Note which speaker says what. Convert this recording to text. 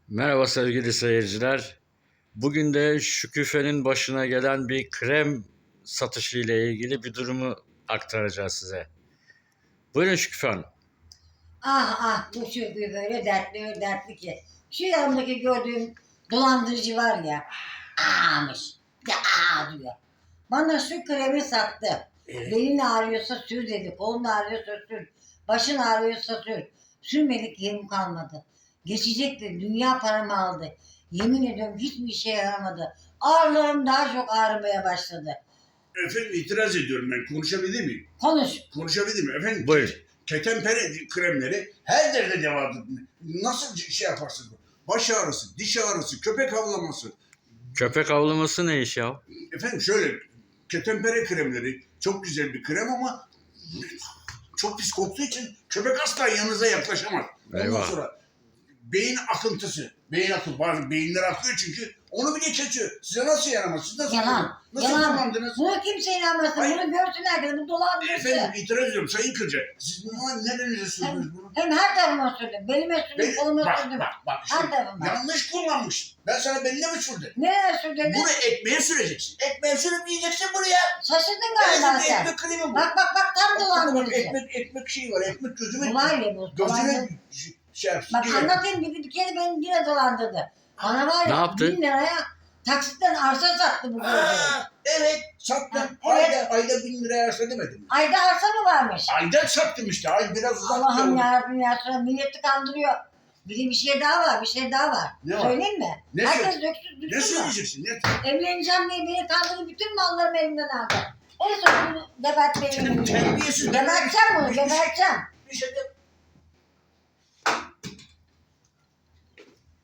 Speaker 1: Merhaba sevgili seyirciler. Bugün de Şükufe'nin başına gelen bir krem satışı ile ilgili bir durumu aktaracağız size. Buyurun Şüküfe Hanım.
Speaker 2: Bu Şükrü böyle dertli öyle dertli ki. Şu yanımdaki gördüğüm dolandırıcı var ya. Ağmış. De diyor. Bana şu kremi sattı.
Speaker 1: Evet.
Speaker 2: Belin ağrıyorsa sür dedi. Kolun ağrıyorsa sür. Başın ağrıyorsa sür. Sürmedik yerim kalmadı. Geçecekti. Dünya paramı aldı. Yemin ediyorum hiçbir işe yaramadı. Ağrılarım daha çok ağrımaya başladı.
Speaker 3: Efendim itiraz ediyorum ben. Konuşabilir miyim?
Speaker 2: Konuş.
Speaker 3: Konuşabilir miyim? Efendim
Speaker 1: Buyur.
Speaker 3: ketenpere kremleri her derde devadır. Nasıl şey yaparsınız? Baş ağrısı, diş ağrısı, köpek havlaması.
Speaker 1: Köpek avlaması ne iş ya?
Speaker 3: Efendim şöyle ketenpere kremleri çok güzel bir krem ama çok pis koktuğu için köpek asla yanınıza yaklaşamaz. Ondan
Speaker 1: Eyvah.
Speaker 3: sonra beyin akıntısı. Bazı beyinler akıyor çünkü onu bile kesiyor. Size nasıl yaramaz? Siz nasıl Nasıl
Speaker 2: Yalan.
Speaker 3: kullandınız?
Speaker 2: Buna kimse inanmasın.
Speaker 3: Hayır.
Speaker 2: Bunu görsün herkes. Bu dolandırıcı.
Speaker 3: Efendim itiraz ediyorum Sayın Kırca. Siz bunu nerenize sürdünüz bunu?
Speaker 2: Hem her tarafıma sürdüm. Belime sürdüm, koluma sürdüm.
Speaker 3: Bak
Speaker 2: Her
Speaker 3: işte
Speaker 2: tarafıma.
Speaker 3: yanlış kullanmış. Ben sana beline mi sürdüm?
Speaker 2: Nereye sürdün?
Speaker 3: Bunu ekmeğe süreceksin. Ekmeğe sürüp yiyeceksin buraya.
Speaker 2: Şaşırdın galiba sen.
Speaker 3: Ekmek kremi bu.
Speaker 2: Bak tam dolandırıcı.
Speaker 3: Ekmek şeyi var. Ekmek gözüme.
Speaker 2: Kolay ya bu.
Speaker 3: Gözüme şey yapsın.
Speaker 2: Bak anlatayım bir kere beni yine dolandırdı. Bana var
Speaker 1: Ne
Speaker 2: ya
Speaker 1: yaptı?
Speaker 2: 1000 liraya taksitten arsa sattı bu gözleri.
Speaker 3: Evet sattım.
Speaker 2: Ha, evet.
Speaker 3: Ayda 1000 liraya arsa demedim.
Speaker 2: Ayda arsa mı varmış?
Speaker 3: Ayda sattım işte. Ay biraz uzak.
Speaker 2: Allah'ım yarabbim ya sonra milleti kandırıyor. Bir şey daha var, bir şey daha var.
Speaker 3: Ne var?
Speaker 2: Söyleyeyim mi?
Speaker 3: Ne
Speaker 2: Herkes
Speaker 3: Ne
Speaker 2: döksün.
Speaker 3: söyleyeceksin? Ne?
Speaker 2: Evleneceğim diye beni kandırdı. Bütün mallarımı elimden aldı. En son bunu gebertmeyi
Speaker 3: Terbiyesiz.
Speaker 2: Geberteceğim bunu, geberteceğim.
Speaker 3: Bir şey de